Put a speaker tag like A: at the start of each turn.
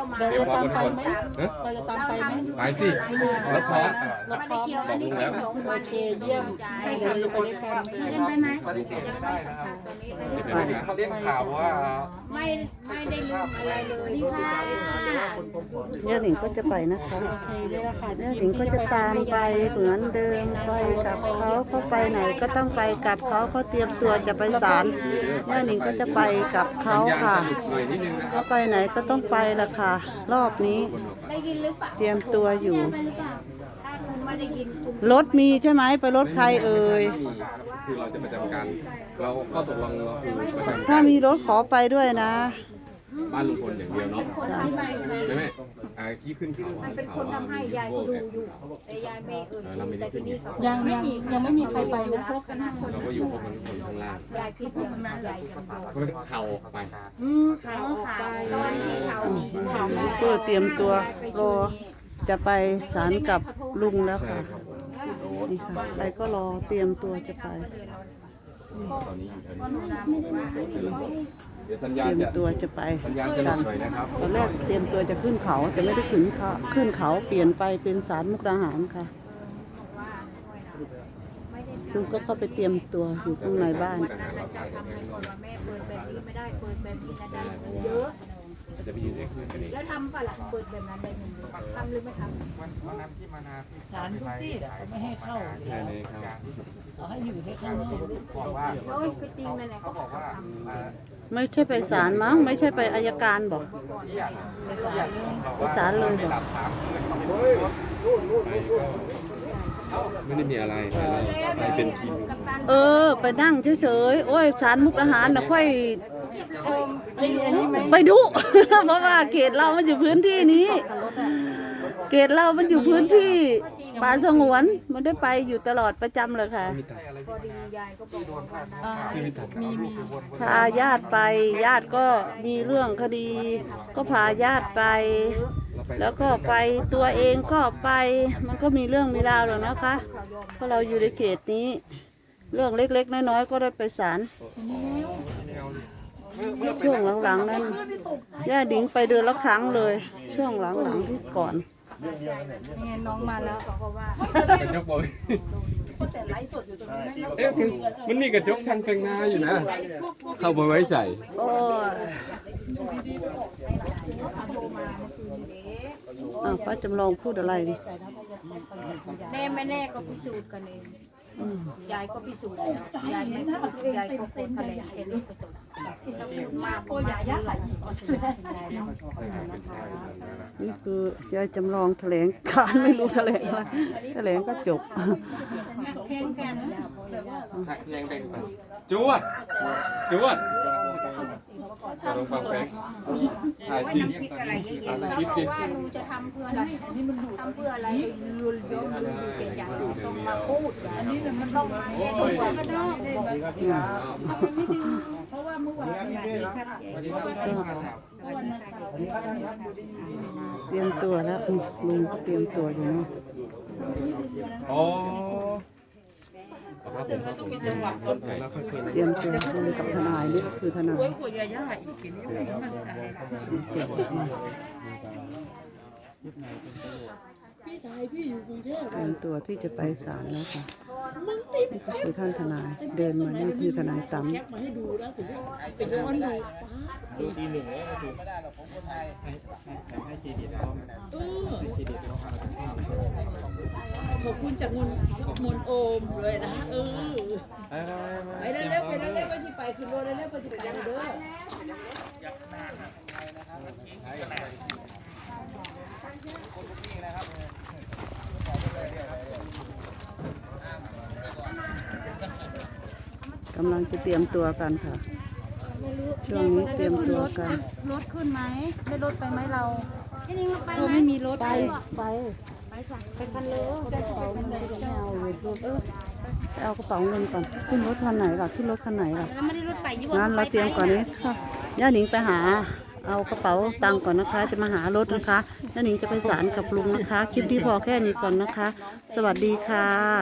A: เราจะตามไปไหมเราจะตามไปไหม
B: ไปสิรถพร้อม
A: รถพร้อมบอกลุงแล้วโอเคเยี่ยมเดี๋ยวเราไปด้วยกัน
C: เล่นไปไหม
B: เขาเรียกข่าวว่า
C: ไม่ได้ลืมอะไรเลยนี่ค่ะ
D: ย่าหนิงก็จะไปนะคะ
A: โอเคนี่แหละค่ะ
D: ย่าหนิงก็จะตามไปเหมือนเดิมไปกับเขาไปไหนก็ต้องไปกับเขาเตรียมตัวจะไปศาลย่าหนิงก็จะไปกับเขา
B: สัญญาณ
D: ค่ะ
B: จะหลุดหน่อยนิดนึงนะค
D: เขา
B: รับ
D: ไปไหนก็ต้องไปละค่ะ รอบนี้
C: ได้ยินหรือเปล่า
D: เตรียมตัวอยู่
C: ไปหรือเปล่าถ้าคุณไม่ได้ยินคุณ
D: รถมีใช่ไหมไปรถใครเอ่ย
B: คือเราจะประจำการเราข้อตกลงเราคือประจำ
D: ถ้ามีรถขอไปด้วยนะ
B: บ้านลุงพลอย่างเดียวเนาะ
C: คนทำให้ไหม
B: ใช่ไหมที่ขึ้นเขา
C: มันเป็นคนทำให้ยายก็ดูอยู่แต่ยายไม่เอ่ยชื่อแต่ทีนี้เขา
A: ยังไม่มีใครไปนะ
B: เราก็อยู่พวกมันคนข้างล่าง
C: ยายคิดว่ามันยายยังบอก
B: ก็เขาไป
C: เขาไปตอนที่เขามีเขา
D: ก็เตรียมตัวรอจะไปศาลกับลุงแล้วค่ะนี่ค่ะไปก็รอเตรียมตัวจะไป
B: ตอนนี้อยู่แถวนี้เดี๋ยวสัญ
D: เต
B: ญาณ
D: รียม
B: จะ
D: ตัวจะไป
B: สัญญาณจะหลุดหน่อยนะครับ
D: ตอนแรกเตรียมตัวจะขึ้นเขาแต่ไม่ได้ขึ้นเขาเปลี่ยนไปเป็นศาลมุกดาหารค่ะลุงก็เข้าไปเตรียมตัวอยู่ข้างในบ้าน
C: วันนั้นเราจะทำให้คนว่าแม่เปิดแบบนี้ไม่ได้เปิดแบบนี้นะได้เงินเยอะ
B: จะไปยืนเอ็กซ์กันเอง
C: แล้วทำป่ะล่ะเปิดแบบนั้นได้เงินเยอะทำหรือไม่ทำ
A: ศาลทุกที่ไม่ให้เข้า
B: ใช่เลยครับ
A: เอาให้อยู่ให้ข้างนอก
C: โอ้ยคือจริงนั่นแหละเขาบอกว่า
D: ไม่ใช่ไปศาลมั้งไม่ใช่ไปอัยการบอกไปศาลเลยบอก
B: ไม่ได้มีอะไรไปเป็นทีม
D: เออ ไปนั่งเฉยๆโอ้ยศาลมุกดาหารนะค่อยไปดู เพราะว่าเขตเรามันอยู่พื้นที่นี้ เขตเรามันอยู่พื้นที่ป่าสงวนมันได้ไปอยู่ตลอดประจำเลยค่ะ
C: พอดียายก็บอกว่า
A: มี
D: พาญาติไปญาติก็มีเรื่องคดี ก็พาญาติไป แล้วก็ไปตัวเองก็ไป มันก็มีเรื่องมีราวหรอกนะคะเพราะเราอยู่ในเขตนี้ เรื่องเล็กๆน้อยๆก็ได้ไปศาลช่วงหลังๆนั้นย่าดิงไปเดือนละครั้งเลย ช่วงหลังๆที่ก่อน
A: เนี่ยน้องมาแล้ว
B: กระจกบอยเอ๊ะมันมีกระจกช่างแต่งหน้าอยู่นะ เข้าไปไว้ใส่
D: โอ้ยป้าจำลองพูดอะไรดิ
C: แน่ไม่แน่ก็พิสูจน์กันเองยายก็พิสูจน์แล้วยายไม่พูดยายก็โกรธทะเลเองมากโอ้ยายาไหล
D: นี่คือยายจำลองแถลงการไม่รู้แถลงอะไรแถลงก็จบ
B: ยังเป็นจวดจวดลองฟังเพลงถ่ายสิ
C: เขาบอกว่าหนูจะทำเพื่ออะไรทำเพื่ออะไรยุนยงอยู่เกจางต้องมาพูดอันนี้มันต้องมาแยกตัวก็ได้เพราะว่าเมื่อวาน
D: เตรียมตัวแล้วลุงก็เตรียมตัวอยู่เนาะ
B: อ๋อครับผมครับผมแล้วค่อยคุย
D: เตรียมตัวลุงกับทนายนี่ก็คือทนายเตรียมตัวที่จะไปศาลแล้วค่ะนี่ก็คือท่านทนายเดินมานี่คือทนายตั้ม
E: ตีหนึ่งเลยก็คือไม่ได้หรอกผมคนไทยให้เครดิตเขาให้เครดิตเขา
F: ขอบคุณจากมนโอมเลยนะไปเร็วๆไปที่ไปขึ้นรถเร็วๆไปที่ไปเด้อก
D: ำลังจะเตรียมตัวกันค่ะช่วงนี้เตรียมตัวกัน
A: รถขึ้นไหมได้รถไปไหมเรา
D: ไม่มีรถไป
A: คันเลย
D: กระเป๋าเงินไม่เอาเลยรถไปเอากระเป๋าเงินก่อนขึ้นรถคันไหนล่ะขึ้นรถคันไหนล่ะ
C: ไม่ได้รถไปยี่
D: งั้นเราเตรียมก่อนนี้ค่ะย่าหนิงไปหาเอากระเป๋าตังค์ก่อนนะคะ จะมาหารถนะคะย่าหนิงจะไปศาลกับลุงนะคะคลิปที่พอแค่นี้ก่อนนะคะ สวัสดีค่ะ